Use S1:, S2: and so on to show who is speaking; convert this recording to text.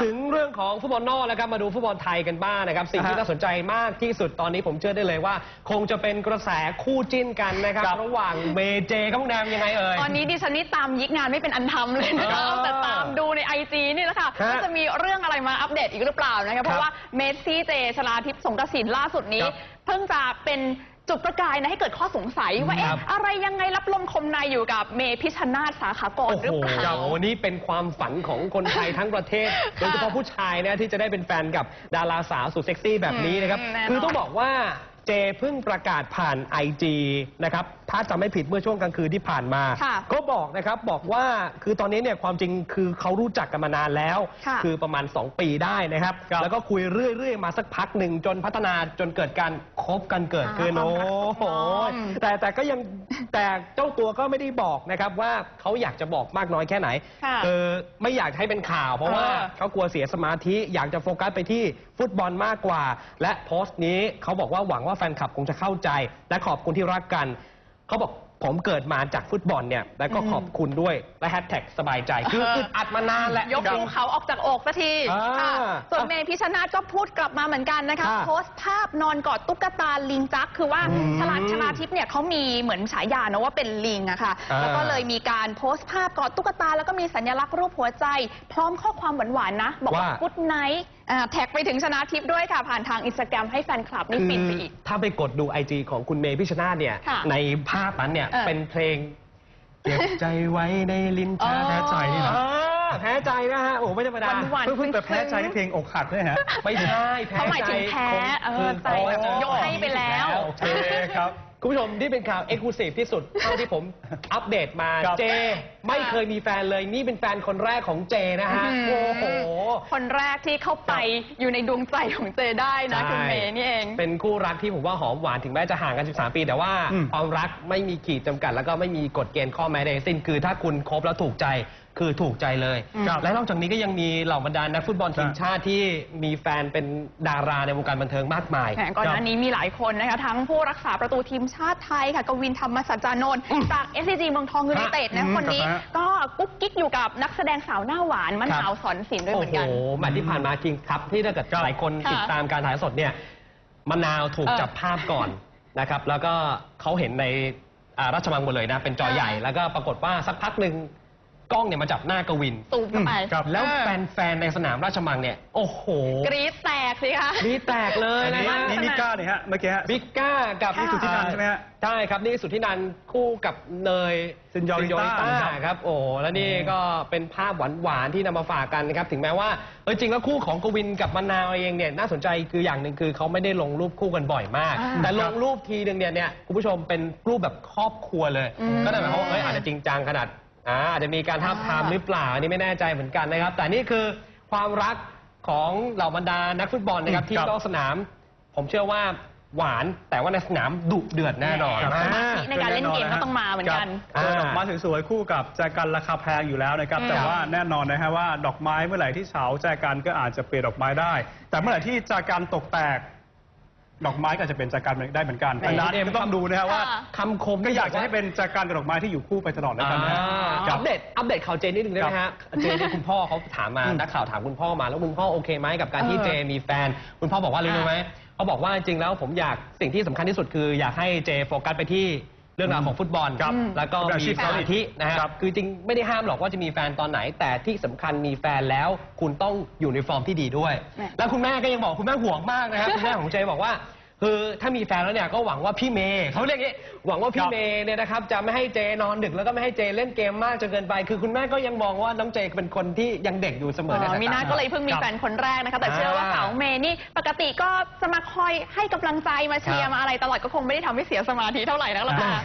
S1: ถึงเรื่องของฟุตบอลนอกแล้วครับมาดูฟุตบอลไทยกันบ้างนะครับสิ่งที่น่าสนใจมากที่สุดตอนนี้ผมเชื่อได้เลยว่าคงจะเป็นกระแสคู่จิ้นกันนะครับระหว่างเมเจกับพวกแนมยังไงเอ่ย
S2: ตอนนี้ดิฉันนี่ตามยิกงานไม่เป็นอันทำเลยนะคะแต่ตามดูใน IG นี่แหละค่ะว่าจะมีเรื่องอะไรมาอัปเดตอีกหรือเปล่านะคะเพราะว่าเมสซี่เจชลาทิพย์สงกสินล่าสุดนี้เพิ่งจะเป็นจุดประกายนะให้เกิดข้อสงสัยว่าอะไรยังไงรับลมคมในอยู่กับเมพิชชนาธิ์สาขากรหรือเปล่า
S1: นี่เป็นความฝันของคนไทยทั้งประเทศโดยเฉพาะผู้ชายนะที่จะได้เป็นแฟนกับดาราสาวสุดเซ็กซี่แบบนี้นะครับคือต้องบอกว่าเจเพิ่งประกาศผ่าน IG นะครับถ้าจำไม่ผิดเมื่อช่วงกลางคืนที่ผ่านมาก็บอกนะครับบอกว่าคือตอนนี้เนี่ยความจริงคือเขารู้จักกันมานานแล้วคือประมาณ2 ปีได้นะครับแล้วก็คุยเรื่อยๆมาสักพักหนึ่งจนพัฒนาจนเกิดการคบกันเกิดขึ้นโอ้โหแต่ก็ยังแต่เจ้าตัวก็ไม่ได้บอกนะครับว่าเขาอยากจะบอกมากน้อยแค่ไหนไม่อยากให้เป็นข่าวเพราะว่าเขากลัวเสียสมาธิอยากจะโฟกัสไปที่ฟุตบอลมากกว่าและโพสต์นี้เขาบอกว่าหวังว่าแฟนคลับคงจะเข้าใจและขอบคุณที่รักกันเขาบอกผมเกิดมาจากฟุตบอลเนี่ยแล้วก็ขอบคุณด้วยและแฮชแท็กสบายใจคืออึดอัดมานานแหละ
S2: ยกภูเขาออกจากอกสักทีค่ะส่วนเมพิชชนาธิ์ก็พูดกลับมาเหมือนกันนะคะโพสต์ภาพนอนกอดตุ๊กตาลิงจักคือว่าชลาทิพย์เนี่ยเขามีเหมือนฉายานะว่าเป็นลิงอะค่ะแล้วก็เลยมีการโพสต์ภาพกอดตุ๊กตาแล้วก็มีสัญลักษณ์รูปหัวใจพร้อมข้อความหวานๆนะบอกว่ากุ๊ดไนท์แท็กไปถึงชนาทิพย์ด้วยค่ะผ่านทางอินสตาแกรมให้แฟนคลับนี่ฟินไปอีก
S1: ถ้าไปกดดู IG ของคุณเมพิชชนาธิ์เนี่ยในภาพนั้นเนี่ยเป็นเพลงเก็บใจไว้ในลิ้นชักแพ้ใจนี่นะแพ้ใจนะฮะโอ้ไม่ธรรมดา
S3: เพิ่งแต่แพ้ใจที่เพลงอกหักด้วยฮะ
S1: ไม่ใช่แพ้ใจ
S2: เขาหมายถึงแพ้ใจยกให้ไปแล้ว
S1: โอเคครับคุณผู้ชมที่เป็นข่าวเอ็กซ์คลูซีฟที่สุดเท่าที่ผมอัปเดตมาเจไม่เคยมีแฟนเลยนี่เป็นแฟนคนแรกของเจนะฮะโอ้โห
S2: คนแรกที่เข้าไปอยู่ในดวงใจของเจได้นะคุณเมย์นี่เอง
S1: เป็นคู่รักที่ผมว่าหอมหวานถึงแม้จะห่างกัน13 ปีแต่ว่าความรักไม่มีขีดจำกัดแล้วก็ไม่มีกฎเกณฑ์ข้อแม้ใดสิ้นคือถ้าคุณคบแล้วถูกใจคือถูกใจเลยและนอกจากนี้ก็ยังมีเหล่าบรรดานักฟุตบอลทีมชาติที่มีแฟนเป็นดาราในวงการบันเทิงมากมาย
S2: ก่อนหน้านี้มีหลายคนนะคะทั้งผู้รักษาประตูทีมชาติไทยค่ะกวินธรรมสัจจานนท์จาก SCG เมืองทองยูไนเต็ดนะคนนี้ก็กุ๊กกิ๊กอยู่กับนักแสดงสาวหน้าหวานมะนาวสอนศิลป์ด้วยเหมือนกัน
S1: โอ้โหแมตช์ที่ผ่านมาจริงครับที่ถ้าเกิดหลายคนติดตามการถ่ายสดเนี่ยมะนาวถูกจับภาพก่อนนะครับแล้วก็เขาเห็นในราชมังหมดเลยนะเป็นจอใหญ่แล้วก็ปรากฏว่าสักพักหนึ่งกล้องเนี่ยมาจับหน้ากวิน
S2: ตูมเข้าไป
S1: แล้วแฟนในสนามราชมังเนี่ยโอ้โห
S2: กรี๊ดแตกสิคะ
S1: กรี๊ดแตกเลยนะ
S3: นี่มิก้าเนี่ยฮะเมื่อกี้
S1: มิก้ากับ
S3: สุทธินันท์ใช่ไหมฮะ
S1: ใช่ครับนี่สุทธินันท์คู่กับเนย
S3: ซินยอริต้า
S1: ครับโอ้แล้วนี่ก็เป็นภาพหวานๆที่นำมาฝากกันนะครับถึงแม้ว่าจริงแล้วคู่ของกวินกับมะนาวเองเนี่ยน่าสนใจคืออย่างหนึ่งคือเขาไม่ได้ลงรูปคู่กันบ่อยมากแต่ลงรูปทีนึงเนี่ยคุณผู้ชมเป็นรูปแบบครอบครัวเลยก็นั่นหมายความว่าอาจจะจริงจังขนาดอาจจะมีการท้าทามหรือเปล่าอันนี้ไม่แน่ใจเหมือนกันนะครับแต่นี่คือความรักของเหล่าบรรดานักฟุตบอลนะครับที่นอกสนามผมเชื่อว่าหวานแต่ว่าในสนามดุเดือดแน่นอน
S2: ในการเล่นเกมก็ต้องมาเหมือนกัน
S3: ดอกไม้สวยๆคู่กับแจกันราคาแพงอยู่แล้วนะครับแต่ว่าแน่นอนนะฮะว่าดอกไม้เมื่อไหร่ที่เฉาแจกันก็อาจจะเปลี่ยนดอกไม้ได้แต่เมื่อไหร่ที่แจกันตกแตกดอกไม้ก็จะเป็นจากการได้เหมือนกันดังนั้นก็ต้องดูนะครับว่า
S1: คำคม
S3: ก็อยากจะให้เป็นจากการกับดอกไม้ที่อยู่คู่ไปตลอดแล้วกันนะ
S1: อัปเดตข่าวเจนนิดนึงได้ไหมฮะเจนคุณพ่อเขาถามมานักข่าวถามคุณพ่อมาแล้วคุณพ่อโอเคไหมกับการที่เจมีแฟนคุณพ่อบอกว่ารู้ไหมเขาบอกว่าจริงแล้วผมอยากสิ่งที่สำคัญที่สุดคืออยากให้เจโฟกัสไปที่เรื่องราวของฟุตบอลแล้วก็มีสมาธินะครับคือจริงไม่ได้ห้ามหรอกว่าจะมีแฟนตอนไหนแต่ที่สำคัญมีแฟนแล้วคุณต้องอยู่ในฟอร์มที่ดีด้วยแล้วคุณแม่ก็ยังบอกคุณแม่ห่วงมากนะครับคุณแม่ของเจบอกว่าคือถ้ามีแฟนแล้วเนี่ยก็หวังว่าพี่เมย์เขาเรียกงี้หวังว่าพี่เมย์เนี่ยนะครับจะไม่ให้เจนอนดึกแล้วก็ไม่ให้เจเล่นเกมมากจนเกินไปคือคุณแม่ก็ยังมองว่าน้องเจเป็นคนที่ยังเด็กอยู่เสมอในสายตา
S2: มีน่าก็เลยเพิ่งมีแฟนคนแรกนะคะแต่เชื่อว่าสาวเมย์นี่ปกติก็จะมาคอยให้กำลังใจมาเชียร์มาอะไรตลอดก็คงไม่ได้ทำให้เสียสมาธิเท่าไหร่นักหรอกค่ะ